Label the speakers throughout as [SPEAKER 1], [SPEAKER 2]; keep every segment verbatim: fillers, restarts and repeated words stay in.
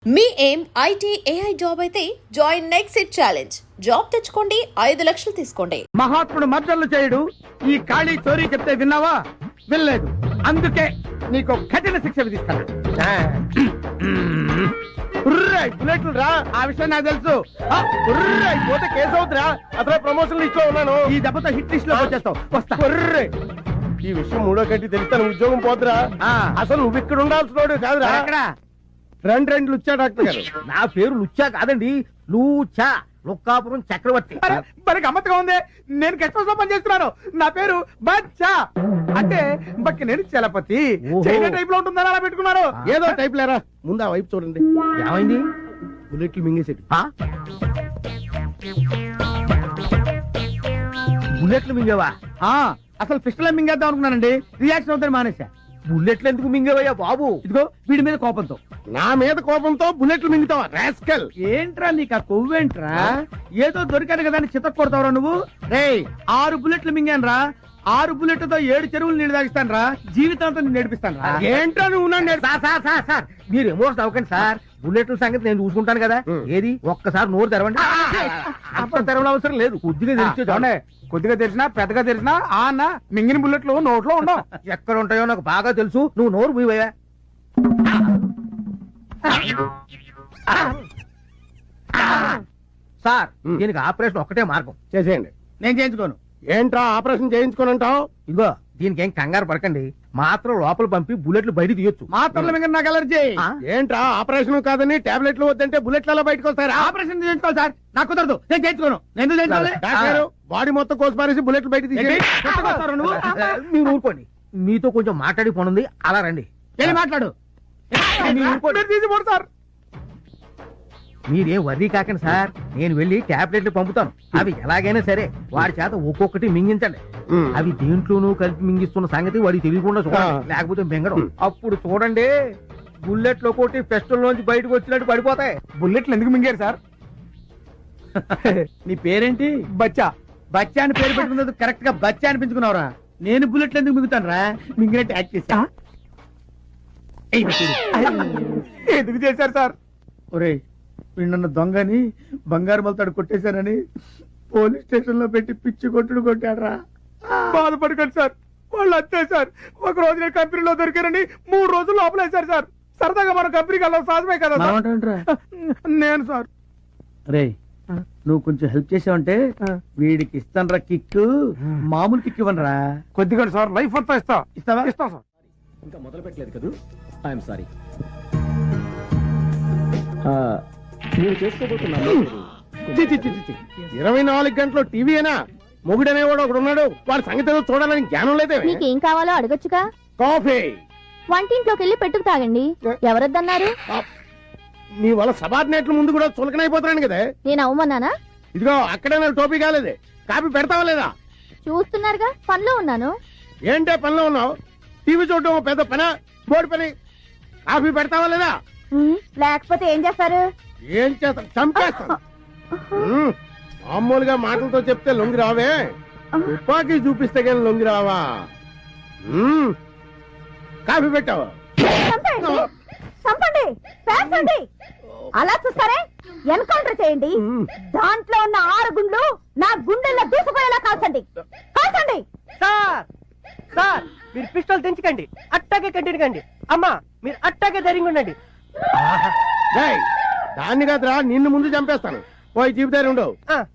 [SPEAKER 1] మీ ఏం IT AI job అయితే join next it challenge. Job తెచ్చుకోండి, ఐదు లక్షలు తీసుకోండి.
[SPEAKER 2] మహాత్ముడు మర్డర్లు చేయడు, ఈ ఖాళీ చోరీ చెప్తే విన్నావా? వినలేదు. అందుకే నీకు కఠిన శిక్ష విధిస్తాను. బుల్లెట్లు రా, ఆ విషయం నాకు తెలుసు. పోతే కేసు అవుతురా, అసలు ప్రమోషన్ లిస్ట్ లో ఉన్నాను. ఈ దెబ్బతో హిట్ లిస్ట్ లో వచ్చేస్తావు. వస్తా. ఈ విషయం మూడో గంట తెలిస్తే ఉద్యోగం పోతురా. అసలు నువ్వు ఇక్కడ ఉండాల్సిన కాదురా. ఎక్కడ రెండు రెండు లుచ్చా డాక్టర్ గారు. నా పేరు లుచ్చా కాదండి, లూచా, లుక్కాపురం చక్రవర్తి. మరి గమ్మత్తుగా ఉంది. నేను గెస్ట్ హౌస్ లో పనిచేస్తున్నాను. నా పేరు బచ్చా, అంటే బక్కి నేను చలపతి. చైనా టైప్ లో ఉంటుందని అలా పెట్టుకున్నారు. ఏదో టైప్ లేరా. ముందు ఆ వైపు చూడండి. ఏమైంది? బుల్లెట్లు మింగేసేది. బుల్లెట్లు మింగేవా? అసలు పిస్టల్ మింగేద్దాం అనుకున్నానండి. రియాక్షన్ అవుతాను మానేసా. బుల్లెట్లు ఎందుకు మింగేవయ్యా బాబు? ఇదిగో వీడి మీద కోపంతో. నా మీద కోపంతో బుల్లెట్లు మింగుతావా రాస్కల్? ఏంట్రా నీకు ఆ కొవ్వేంట్రా? ఏదో దొరికాను కదా అని చితక్ కొడతావరా నువ్వు? రే, ఆరు బుల్లెట్లు మింగాను రా. ఆరు బుల్లెట్లతో ఏడు చెరువులు నీళ్ళు తాగిస్తాను రా. జీవితాంతం నేను నేర్పిస్తాను రా. ఏంట్రా నువ్వు? సార్ సార్ సార్ మీరు ఎమోషన్ అవ్వకండి సార్. బుల్లెట్ల సంగతి నేను చూసుకుంటాను కదా. ఏది ఒక్కసారి నోరు తెరవండి. అప్పుడు తెరవడం అవసరం లేదు. కొద్దిగా తెలిసి చూడండి. కొద్దిగా తెలిసినా పెద్దగా తెలిసినా ఆ అన్న మింగిన బుల్లెట్లు నోట్లో ఉండవు. ఎక్కడ ఉంటాయో నాకు బాగా తెలుసు. నువ్వు నోరు మూయవయ్యా. సార్ దీనికి ఆపరేషన్ ఒక్కటే మార్గం. చేసేయండి. నేను చేయించుకోను. ఏంట్రా ఆపరేషన్ చేయించుకోనంటావు? ఇదిగో దీనికి ఏం కంగారు పడకండి. మాత్రం లోపల పంపి బుల్లెట్లు బయట తీయొచ్చు. మాత్రలు మింగ నాకు అలర్జీ. ఏంట్రా ఆపరేషన్ కాదని టాబ్లెట్లు వద్దంటే బుల్లెట్లలో బయటకు వస్తారా? ఆపరేషన్ చేయించుకోవాలి సార్. నాకు కుదరదు. నేను చేయించుకోను. నేను చేయించుకోవాలి. బాడీ మొత్తం కోసి పారేసి బుల్లెట్లు బయట తీసి మీరు ఊరుకోండి. మీతో కొంచెం మాట్లాడి పోనుంది. అలా రండి. వెళ్ళి మాట్లాడు. సార్ మీరేం వర్రీ కాకండి సార్. నేను వెళ్ళి టాబ్లెట్లు పంపుతాను. అవి ఎలాగైనా సరే వాడి చేత ఒక్కొక్కటి మింగించండి. అవి దేంట్లోనూ కలిపి మింగిస్తున్న సంగతి వాడికి తెలియకుండా చూడండి. లేకపోతే మింగడం. అప్పుడు చూడండి బుల్లెట్లు ఒక్కొక్కటి పెస్టల్ నుంచి బయటకు వచ్చినట్టు పడిపోతాయి. బుల్లెట్లు ఎందుకు మింగారు సార్? నీ పేరేంటి? బచ్చా. బచ్చా అని పేరు పెట్టుకున్నది కరెక్ట్ గా బచ్చా అనిపించుకున్నావురా. నేను బుల్లెట్లు ఎందుకు మింగుతాను రా? మింగినట్టు యాక్ట్ చేశా. ఎందుకు చేశారు సార్? ఒరే వీళ్ళన్న దొంగని బంగారు బలతాడు కొట్టేశారని పోలీస్ స్టేషన్ లో పెట్టి పిచ్చి కొట్టుడు కొట్టాడరా. బాధపడకండి సార్, వాళ్ళు అంతే సార్. ఒక రోజు నేను కంపెనీలో దొరికారని మూడు రోజులు లోపలేశారు సార్. సరదాగా మన కంపెనీకి వెళ్ళాలి సాధమే కదా. నేను సార్ రే నువ్వు కొంచెం హెల్ప్ చేసావంటే వీడికి ఇస్తాను రా కిక్. మామూలు కిక్ ఇవ్వనరా. కొద్దిగా సార్ లైఫ్ అంతా ఇస్తా. ఇస్తావా? ఇస్తా సార్.
[SPEAKER 3] ఇంకా మొదలు పెట్టలేదు కదా. I'm sorry. మీరు చేసుకోబోతున్నారు
[SPEAKER 2] ఇరవై నాలుగు గంటలు టీవీనా? మొగుడనేవాడు ఒకడు ఉన్నాడు. వాడి సంగతి చూడాలని జ్ఞానం లేదే.
[SPEAKER 4] మీకేం కావాలో అడగొచ్చుగా.
[SPEAKER 2] కాఫీ
[SPEAKER 4] వంటింట్లోకి వెళ్ళి పెట్టుకు తాగండి. ఎవరొద్దన్నారు?
[SPEAKER 2] నీ వల్ల సబార్డినేట్ల ముందు కూడా చులకనైపోతున్నాను కదా.
[SPEAKER 4] నేను అవమన్నానా?
[SPEAKER 2] ఇదిగో అక్కడే నాకు టోపీ కాలేదే. కాఫీ పెడతావా లేదా?
[SPEAKER 4] చూస్తున్నారుగా పనిలో ఉన్నాను.
[SPEAKER 2] ఏంటే పనిలో ఉన్నావు? టీవీ చూడటం పెద్ద పని, బోర్డు పని. కాఫీ పెడతావా లేదా?
[SPEAKER 4] లేకపోతే ఏం చేస్తారు?
[SPEAKER 2] ఏం చేస్తా? చంపేస్తాను. మామూలుగా మాటలతో చెప్తే లొంగి రావే, తుపాకీ చూపిస్తే కానీ లొంగి రావా? కాఫీ పెట్టావా?
[SPEAKER 4] చంపండి, పేర్చండి. అలా చూస్తారే, ఎన్కౌంటర్ చేయండి. దాంట్లో ఉన్న ఆరు గుండ్లు నా గుండెల్లో దూసుకుపోయేలా కాల్చండి. కాల్చండి.
[SPEAKER 5] సార్ సార్ మీరు పిస్టల్ తెంచకండి. అట్టాగే కంటిన్యూ కండి. అమ్మా మీరు అట్టాగే ధైర్యంగా ఉండండి.
[SPEAKER 2] దాన్ని కాదురా, నిన్ను ముందు చంపేస్తాను. పోయి జీవితాలు ఉండవు.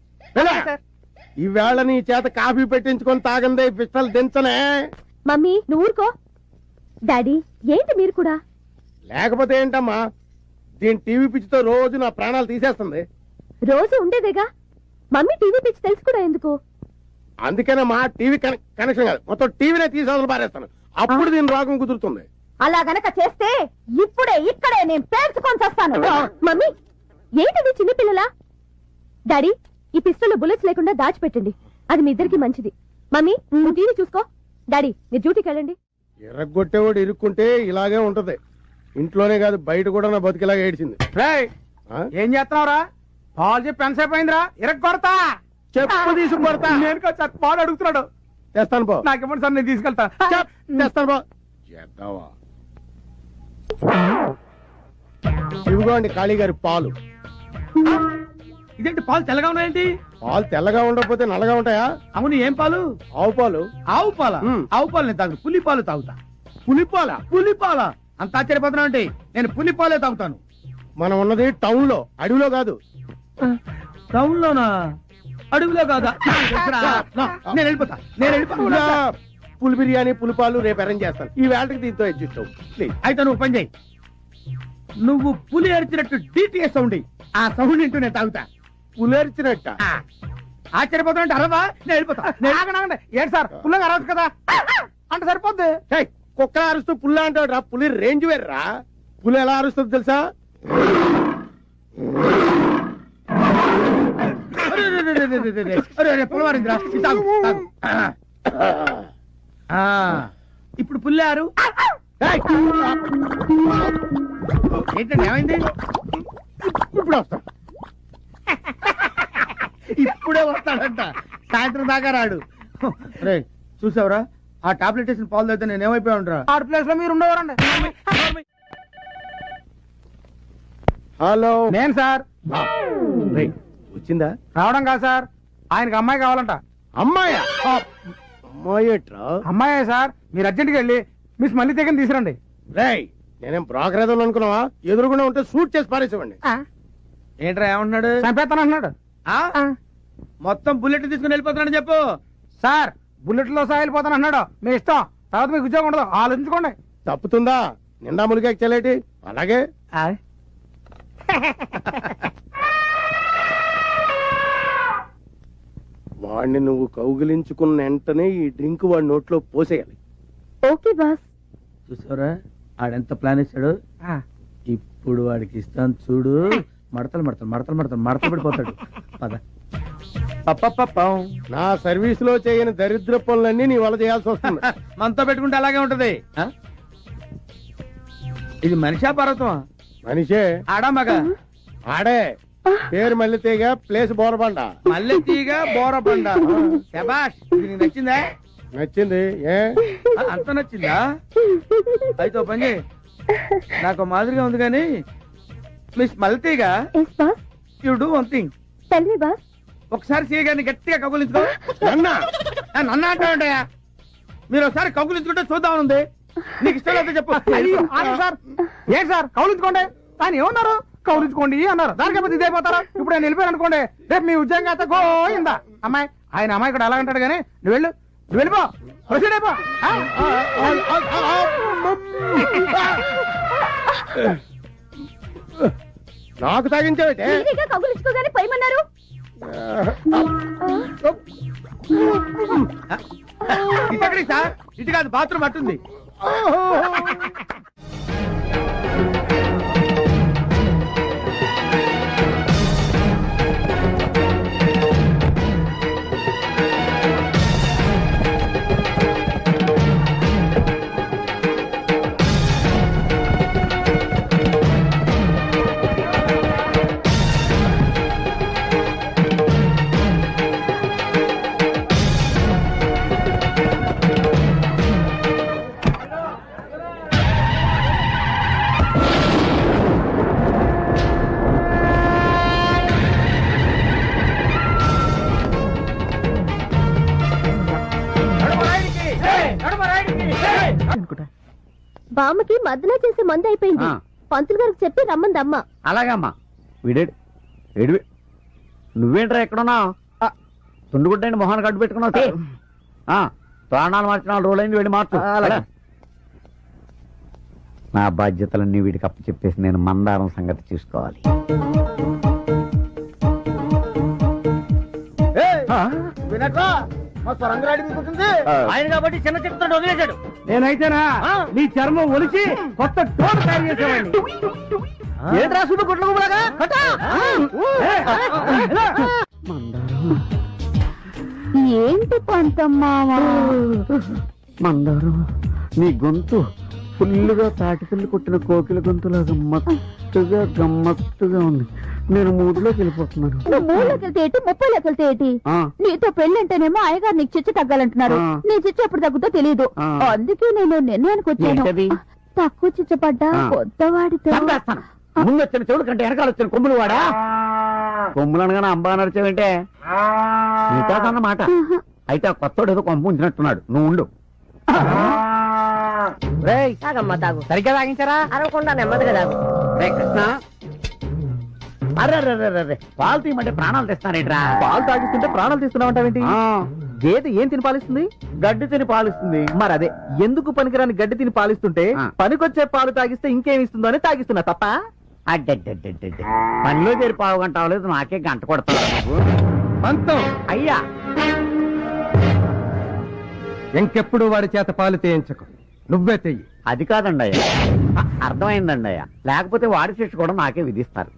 [SPEAKER 2] ఈవేళ నీ చేత కాఫీ పెట్టించుకొని తాగందే పిస్టల్ దించనే.
[SPEAKER 4] మమ్మీ నువ్వు ఊరుకో. డాడీ ఏంటి మీరు కూడా?
[SPEAKER 2] లేకపోతే ఏంటమ్మా, దీని టీవీ పిచ్చితో రోజు నా ప్రాణాలు తీసేస్తుంది.
[SPEAKER 4] రోజు ఉండేదేగా. మమ్మీ టీవీ పిచ్చి తెలుసు కూడా ఎందుకు?
[SPEAKER 2] అందుకేనమ్మా టీవీ కనెక్షన్ కాదు, మొత్తం టీవీనే తీసేవలు పారేస్తాను. అప్పుడు దీని రోగం కుదురుతుంది.
[SPEAKER 4] అలా గనక చేస్తే ఇప్పుడే ఇక్కడే నేను పేర్చుకొని చేస్తాను. మమ్మీ ఏంటిది చిన్నపిల్లలా? డాడీ ఈ పిస్టల్లో బుల్లెట్స్ లేకుండా దాచిపెట్టండి. అది మీ ఇద్దరికి మంచిది. మమ్మీ నువ్వు టీవీ చూసుకో. డాడీ మీరు డ్యూటీకి వెళ్ళండి.
[SPEAKER 2] ఎర్రగొట్టేవాడు ఇరుక్కుంటే ఇలాగే ఉంటది. ఇంట్లోనే కాదు బయట కూడా నా బతికిలాగా ఏడ్చింది. ఏం చేస్తున్నావురా? పాలు చెప్పి ఎంతసేపు అయిందిరా? ఇరగొడతా, చెప్పు తీసుకు కొడతా. నేను సార్ పాలు అడుగుతున్నాడు. చేస్తాను పో. నాకేమో సార్ నేను తీసుకెళ్తా. చేస్తాను పో. చేద్దావా? ఇదిగోండి కాళీ గారి పాలు.
[SPEAKER 6] ఇదేంటి పాలు తెల్లగా ఉన్నాయేంటి?
[SPEAKER 2] పాలు తెల్లగా ఉండకపోతే నల్లగా ఉంటాయా?
[SPEAKER 6] అవును, ఏం పాలు?
[SPEAKER 2] ఆవు పాలు.
[SPEAKER 6] ఆవు పాల?
[SPEAKER 2] మ్.
[SPEAKER 6] ఆవు పాలు నేను తాగు, పులి పాలు తాగుతా.
[SPEAKER 2] పులిపాల.
[SPEAKER 6] పులి పాల? అంత ఆశ్చర్యపోతున్నా అంటే నేను పులి పాలే తాగుతాను.
[SPEAKER 2] మనం ఉన్నది టౌన్ లో, అడవిలో కాదు.
[SPEAKER 6] టౌన్ లోనా? అడవిలో కాదా? నాకు తెలుసురా. నా, నేను వెళ్ళిపోతా, నేను వెళ్ళిపోతా.
[SPEAKER 2] పులి బిర్యానీ పులిపాలు రేపు అరేంజ్ చేస్తాను. ఈ వేళకి దీంతో అడ్జస్ట్ అవ్వు ప్లీజ్.
[SPEAKER 6] అయితే నువ్వు పని చేయి, నువ్వు పులి అరిచినట్టు డిటిఎస్ సౌండ్ ఇయ్యి. ఆ సౌండ్ ఇంటూ నేను తాగుతా.
[SPEAKER 2] పులేర్చినట్ట.
[SPEAKER 6] ఆ, ఆశ్చర్యపోతున్నా అంటే అరవా, నేను వెళ్ళిపోతా. నేను-
[SPEAKER 5] ఆగండి, ఆగండి. ఏంటి సార్ పుల్లగా అరవచ్చు కదా అంటే సరిపోద్ది.
[SPEAKER 2] ఏయ్, కుక్క అరుస్తూ పుల్ల అంటాడు రా. పులి రేంజ్ వేర్రా. పులి ఎలా అరుస్తుంది తెలుసా?
[SPEAKER 6] అరే, అరే, అరే, అరే, అరే, అరే, అరే, అరే, పులవారిందిరా. ఇది తాగు, తాగు. ఆ, ఇప్పుడు పుల్లారు.
[SPEAKER 2] ఏయ్,
[SPEAKER 6] ఏంటండి ఏమైంది?
[SPEAKER 2] ఇప్పుడు వస్తా.
[SPEAKER 6] ఇప్పుడే వస్తాడంట, సాయంత్రం దాకా రాడు. రే చూసావురా, ఆ టాబ్లెట్ వేసిన పాలు తాగితే నేను ఏమైపోయా ఉంటా.
[SPEAKER 5] ఆడ ప్లేస్ లో మీరు ఉండేవారండి.
[SPEAKER 2] హలో.
[SPEAKER 5] నేను సార్
[SPEAKER 2] రేయ్, వచ్చిందా
[SPEAKER 5] రావడం కాదు సార్, ఆయనకి అమ్మాయి కావాలంట.
[SPEAKER 2] అమ్మాయా? అమ్మాయేట్రా?
[SPEAKER 5] అమ్మాయే సార్, మీరు అర్జెంట్కి వెళ్ళి మిస్ మళ్ళీ తెగని తీసురండి.
[SPEAKER 2] రేయ్, నేనేం బ్రోకర్ ఏదో అనుకున్నావా? ఎదురుకుండా ఉంటే షూట్ చేసి పారేసేవండి.
[SPEAKER 6] ఏంట్రా ఏమంటున్నాడు?
[SPEAKER 5] చంపేస్తాను అంటున్నాడు.
[SPEAKER 6] ఆ? మొత్తం బుల్లెట్ తీసుకుని వెళ్ళిపోతున్నాడని చెప్పు.
[SPEAKER 5] సార్ బుల్లెట్ లో సాగిపోతాను అన్నాడు. మీ ఇష్టం, తర్వాత మీకు ఉద్యోగం ఉండదు, ఆలోచించుకోండి.
[SPEAKER 2] తప్పుతుందా? నిండా ములిగా చెల్లేటి. అలాగే వాడిని నువ్వు కౌగిలించుకున్న వెంటనే ఈ డ్రింక్ వాడి నోట్లో పోసేయాలి.
[SPEAKER 4] Okay boss.
[SPEAKER 6] చూసావురా ఆడెంత ప్లాన్ ఇస్తాడు. ఇప్పుడు వాడికి ఇస్తాను చూడు. మడతలు మడతలు మడతలు మడతలు మడతలు పడిపోతాడు. పద. పప్పపప్పం.
[SPEAKER 2] నా సర్వీస్ లో చేయని దరిద్ర పనులన్నీ నీ వల్ల చేయాల్సి వస్తుంది.
[SPEAKER 6] మనతో పెట్టుకుంటే అలాగే ఉంటది. ఆ? ఇది మనిషా పర్వతమా?
[SPEAKER 2] మనిషే.
[SPEAKER 6] ఆడా మగ?
[SPEAKER 2] ఆడే. పేరు మళ్ళీ తీగ, ప్లేస్ బోరబండ.
[SPEAKER 6] మల్లె తీగ బోరబండ. శబాష్, ఇది నీకు నచ్చిందా?
[SPEAKER 2] నచ్చింది. ఏ
[SPEAKER 6] ఆ, అంత నచ్చిందా? అయితే ఓ పని చేయి, నాకు మాదిరిగా ఉంది కానీ మిస్ మల్లెతీగ,
[SPEAKER 4] yes boss.
[SPEAKER 6] You do one thing.
[SPEAKER 4] Tell me boss.
[SPEAKER 6] ఒకసారి సీగాని గట్టిగా కగులించుకో.
[SPEAKER 2] నన్నా?
[SPEAKER 6] ఆ, నన్ను అంటావుంటాయా? మీరు ఒకసారి కగులించుకుంటే చూద్దామని ఉంది. నీకు ఇష్టం లేకపోతే చెప్పు.
[SPEAKER 5] అయ్యో, ఆగండి సార్. ఏంటి సార్ కౌలించుకోండి. ఆయన ఏమన్నారు? కౌలించుకోండి అన్నారు. దానికైపోతే ఇదే పోతారా? ఇప్పుడు నేను వెళ్ళిపోయాను అనుకోండి, రేపు మీ ఉద్యోగం అయితే గోయిందా. అమ్మాయి ఆయన అమ్మాయి కూడా అలాగంటాడు కానీ నువ్వు వెళ్ళు, నువ్వు వెళ్ళిపో, ప్రొసీడ్ అయిపో. ఆ?
[SPEAKER 2] నాకు తాగించావటే?
[SPEAKER 4] ఈజీగా కబులించుకోగానే పోయమన్నారు.
[SPEAKER 6] ఇటు ఎక్కడికి సార్? ఇటు కాదు, బాత్రూమ్ అట్టుంది.
[SPEAKER 4] బామ్మకి మద్దన చేసే మందు అయిపోయింది. పంతులు గారికి చెప్పి రమ్మంది అమ్మ.
[SPEAKER 3] అలాగమ్మా. వీడేడు ఏడు నువ్వేంట్రా ఎక్కడున్నా? తుండుగుడ్డండి మొహాన్ని కట్టు పెట్టుకున్నావు. ఆ, ప్రాణాలు మార్చిన రోజు అయింది, వెళ్ళి మార్చు. నా బాధ్యతలన్నీ వీడికి అప్పు చెప్పేసి నేను మందారం సంగతి చూసుకోవాలి.
[SPEAKER 6] వినట్రా, మా స్వరంగరాడి మీకు ఉంటుంది. ఆయన కాబట్టి చిన్న చిత్రం వదిలేశాడు.
[SPEAKER 5] నేనైతేనా నీ చర్మం ఒలిచి కొత్త టోన్ తయారు చేసేవాడిని.
[SPEAKER 6] ఏంటి రాసుడు గుడ్లగా
[SPEAKER 4] ఏంటి పంతమ్మావా?
[SPEAKER 3] మందారం, నీ గొంతు ఫుల్లుగా తాటిపిల్లి కొట్టిన కోకిల గొంతులాగా మత్తుగా గమ్మత్తుగా ఉంది. నేను మూడులోకి వెళ్ళిపోతున్నాను.
[SPEAKER 4] నువ్వు మూడులోకి వెళ్తే ఏంటి, ముప్పైలోకి వెళ్తే ఏంటి?
[SPEAKER 3] ఆ.
[SPEAKER 4] నీతో పెళ్ళంటేనేమో అయ్యగారు నీకు చిచ్చు తగ్గాలంటున్నారు.
[SPEAKER 3] ఆ.
[SPEAKER 4] నీ చిచ్చు ఎప్పుడు తగ్గుతో తెలియదు.
[SPEAKER 3] ఆ.
[SPEAKER 4] అందుకే నేను నిర్ణయానికి వచ్చాను.
[SPEAKER 3] ఏంటది?
[SPEAKER 4] తక్కువ చిచ్చు పడ్డా
[SPEAKER 3] ఆ.
[SPEAKER 4] కొత్తవాడితో
[SPEAKER 3] చంపేస్తాను. ముందు వచ్చిన చెవుడు కంటే వెనకాల వచ్చిన కొమ్ములు వాడా కొమ్ములు అనగానే అంబా నడిచేవంటే నీతాదన్నమాట. అయితే ఆ కొత్తోడు ఏదో కొంప ఉంచినట్టున్నాడు, నువ్వు ఉండు.
[SPEAKER 4] తాగమ్మా తాగు.
[SPEAKER 5] సరిగ్గా తాగించారా?
[SPEAKER 4] అరవకుండా నెమ్మదిగా తాగు.
[SPEAKER 3] రే కృష్ణ, అరే పాలు తీయమంటే ప్రాణాలు తెస్తానేట్రా.
[SPEAKER 5] పాలు తాగిస్తుంటే ప్రాణాలు తీస్తున్నావంటావేంటి?
[SPEAKER 3] ఆ,
[SPEAKER 5] గేదె ఏం తిని పాలిస్తుంది?
[SPEAKER 3] గడ్డి తిని పాలిస్తుంది.
[SPEAKER 5] మరి అదే ఎందుకు పనికిరాని గడ్డి తిని పాలిస్తుంటే
[SPEAKER 3] ఆ.
[SPEAKER 5] పనికొచ్చే పాలు తాగిస్తే ఇంకేమి ఇస్తుందో అని తాగిస్తున్నా తప్ప.
[SPEAKER 3] అడ్డడ్డడ్డడ్డ పనిలో చేరి పావు గంట అవ్వలేదు, నాకే గంట కొడతావు నువ్వు.
[SPEAKER 2] పంతం
[SPEAKER 3] అయ్యా
[SPEAKER 2] ఇంకెప్పుడు వాడి చేత పాలు తేయించకు, నువ్వే తెయ్యి.
[SPEAKER 3] అది కాదండి అయ్యా, అర్థమైందండి అయ్యా. లేకపోతే వాడి శిక్ష కూడా నాకే విధిస్తారు.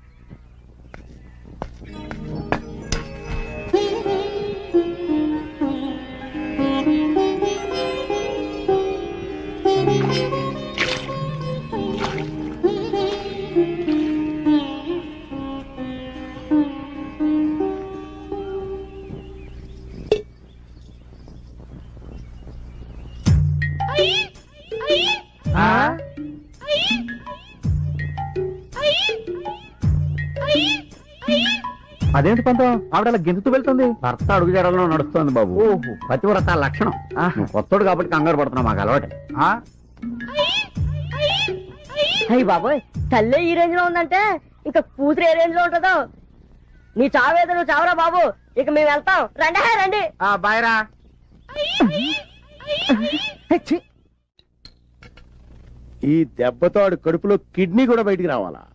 [SPEAKER 5] అదేంటి పంతం ఆవిడ గెంతుతూ వెళ్తుంది?
[SPEAKER 3] భర్త అడుగు జడలో నడుస్తోంది బాబు.
[SPEAKER 5] ఓహో.
[SPEAKER 3] పతివ్రత లక్షణం. నువ్వు కొత్తోడు కాబట్టి కంగారు పడుతున్నావు, మాకు అలవాటే.
[SPEAKER 4] అయ్యి బాబోయ్, తల్లే ఈ రేంజ్ లో ఉందంటే ఇక కూతురు ఏ రేంజ్ లో ఉంటుందో. నీ చావేదో నువ్వు చావరా బాబు, ఇక మేము వెళ్తాం. రండి హే, రండి.
[SPEAKER 5] బాయ్రా.
[SPEAKER 2] ఈ దెబ్బతో ఆడు కడుపులో కిడ్నీ కూడా బయటికి రావాలా?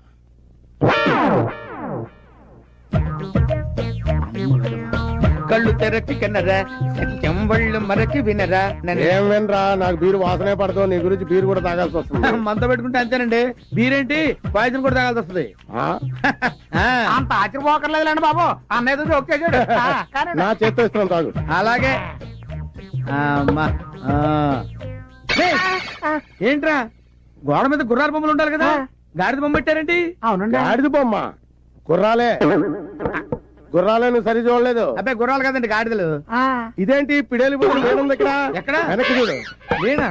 [SPEAKER 5] కళ్ళు తెరచి కన్నరా, సత్యం వళ్ళు మరచి వినరా.
[SPEAKER 2] ఏం వినరా, నాకు బీరు వాసనే పడతావు, నీ గురించి బీరు కూడా తాగాల్సి వస్తుంది.
[SPEAKER 5] మంత పెట్టుకుంటే అంతేనండి. బీరేంటి పాయసం కూడా తాగాల్సి వస్తుంది.
[SPEAKER 2] ఆ?
[SPEAKER 5] అంత ఆశ్చర్యపోకర్లేదులేండి బాబు, అన్నయ్య ఓకే చూడు.
[SPEAKER 2] నా చేత్తో ఇస్తున్నాను, తాగు.
[SPEAKER 5] అలాగే. అమ్మా. ఆ. ఏయ్, ఏంట్రా గోడ మీద గుర్రాల బొమ్మలు ఉండాలి కదా, గాడిద బొమ్మ పెట్టారేంటి?
[SPEAKER 4] అవునండి.
[SPEAKER 2] గాడిద బొమ్మ గుర్రాలే, గుర్రాలే, నువ్వు సరి చూడలేదు.
[SPEAKER 5] అబ్బాయి గుర్రాలు కదండి, గాడిదలు.
[SPEAKER 2] ఇదేంటి పిడేలి బొమ్మ లేనుంది ఇక్కడ?
[SPEAKER 5] ఎక్కడ?
[SPEAKER 2] వెనక్కి చూడు.
[SPEAKER 5] లేనా?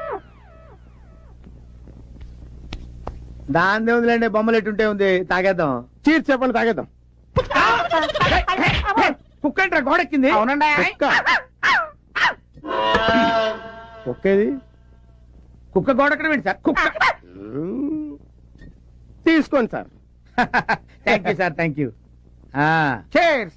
[SPEAKER 5] దాని ఉందిలేండి, బొమ్మలు ఎట్టుంటే ఉంది. తాగేద్దాం.
[SPEAKER 2] చీర్ చెప్పండి, తాగేద్దాం.
[SPEAKER 5] కుక్క ఏంట్రా గోడెక్కింది? అవునండి.
[SPEAKER 2] కుక్క కుక్కేది?
[SPEAKER 5] కుక్క గోడెక్కడం ఏంటి సార్? కుక్క.
[SPEAKER 2] మ్మ్. తీసుకోండి sir.
[SPEAKER 5] Thank you sir, thank you. Cheers.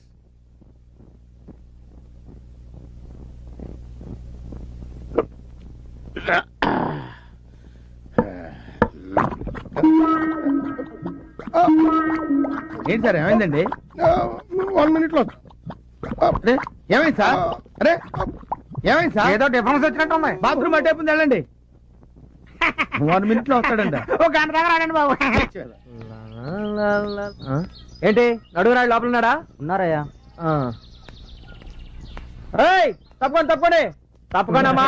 [SPEAKER 5] ఏంటి సార్ ఏమైందండి?
[SPEAKER 2] వన్ మినిట్ లో.
[SPEAKER 5] అరే ఏమైంది సార్? అరే ఏమైంది సార్? ఏదో డిఫరెన్స్ వచ్చినట్టు ఉంది. బాత్రూమ్ అటే ఉంది, వెళ్ళండి. వన్ మినిట్ లో వస్తాడండి. ఒక గంట దగ్గర ఆడండి బాబు. ఏంటి నడుగురాడు లోపల ఉన్నాడా? ఉన్నారయ్యా. తప్పకుండా తప్పండి తప్పకుండా.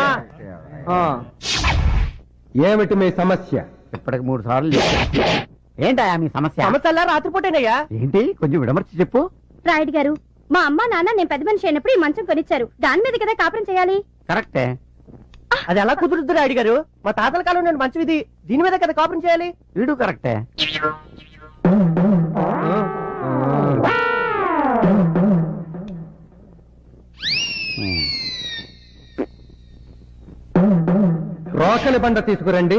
[SPEAKER 2] ఏమిటి మీ సమస్య?
[SPEAKER 3] ఇప్పటికి మూడు సార్లు చెప్పా. ఏంటయ్యా మీ సమస్య?
[SPEAKER 5] సమస్య రాత్రిపూటేనయ్యా.
[SPEAKER 3] ఏంటి కొంచెం విడమర్చి చెప్పు.
[SPEAKER 4] రాయుడు గారు, మా అమ్మ నాన్న నేను పెద్ద మనిషి అయినప్పుడు ఈ మంచం కొనిచ్చారు. దాని మీద కదా కాపురం చేయాలి.
[SPEAKER 3] కరెక్టే.
[SPEAKER 5] అది ఎలా కుదురుద్దు రాయుడు గారు? మా తాతల కాలం నేను మంచం ఇది, దీని మీద కదా కాపురం చేయాలి.
[SPEAKER 3] వీడు కరెక్టే.
[SPEAKER 2] రోకలి బండ తీసుకురండి.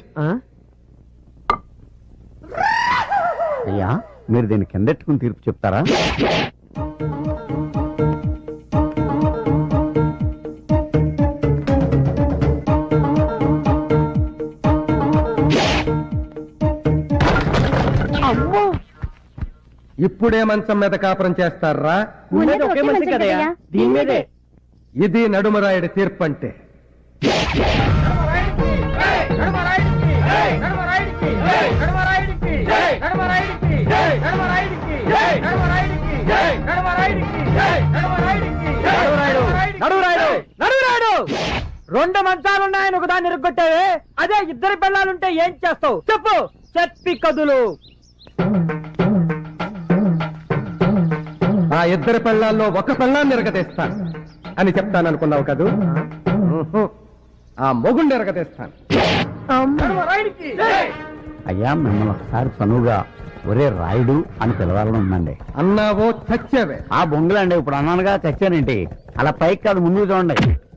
[SPEAKER 3] అయ్యా మీరు దీన్ని కిందెట్టుకుని తీర్పు చెప్తారా?
[SPEAKER 2] ఇప్పుడే మంచం మీద కాపురం చేస్తారా?
[SPEAKER 4] ఉండేది ఒకే మంచం కదయ్యా, దీని మీదే.
[SPEAKER 2] ఇది నడుమరాయుడి తీర్పు అంటే.
[SPEAKER 5] రెండు మంచాలున్నాయని ఒకదాన్ని ఇరుగ్గొట్టావే, అదే ఇద్దరు పిల్లలుంటే ఏం చేస్తావు చెప్పు. చెప్పి కదులు.
[SPEAKER 2] ఆ ఇద్దరు పెళ్ళాల్లో ఒక పెళ్ళాన్ని ఎరగతీస్తాను అని చెప్తాననుకున్నావు కదూ? ఆ మొగుండి ఎరగతీస్తాను.
[SPEAKER 3] అయ్యా మిమ్మల్ని ఒకసారి చనువుగా ఒరే రాయుడు అని పిలవాలని ఉందండి.
[SPEAKER 2] అన్నావో చచ్చావే.
[SPEAKER 3] ఆ బొంగులండి ఇప్పుడు అన్నానుగా చచ్చానేంటి, అలా పైకి కాదు ముందుకు చూడండి.